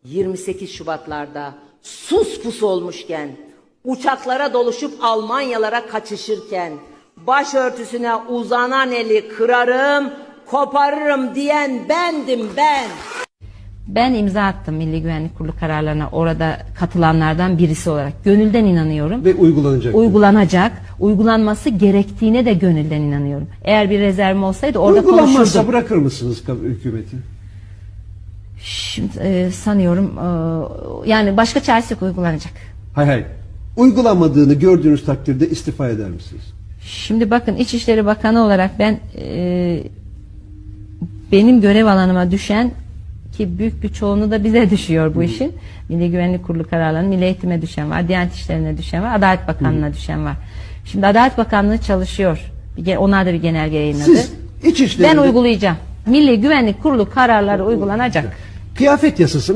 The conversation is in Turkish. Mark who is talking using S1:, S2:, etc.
S1: 28 Şubatlarda sus pus olmuşken, uçaklara doluşup Almanyalara kaçışırken, başörtüsüne uzanan eli kırarım, koparırım diyen bendim ben.
S2: Ben imza attım Milli Güvenlik Kurulu kararlarına, orada katılanlardan birisi olarak. Gönülden inanıyorum.
S3: Ve uygulanacak.
S2: Uygulanacak. Uygulanması gerektiğine de gönülden inanıyorum. Eğer bir rezervim olsaydı orada
S3: Uygulanmazsa
S2: konuşurdum.
S3: bırakır mısınız hükümeti?
S2: Şimdi sanıyorum yani başka çaresi yok, uygulanacak.
S3: Hayır. Uygulanmadığını gördüğünüz takdirde istifa eder misiniz?
S2: Şimdi bakın, İçişleri Bakanı olarak ben benim görev alanıma düşen, ki büyük bir çoğunluğu da bize düşüyor bu işin. Milli Güvenlik Kurulu kararlarının Milli Eğitim'e düşen var, Diyanet İşleri'ne düşen var, Adalet Bakanlığı'na düşen var. Şimdi Adalet Bakanlığı çalışıyor. Onlar da bir genelge yayınladı.
S3: Siz İçişleri'nde...
S2: Ben uygulayacağım. Milli Güvenlik Kurulu kararları uygulanacak.
S3: Kıyafet yasası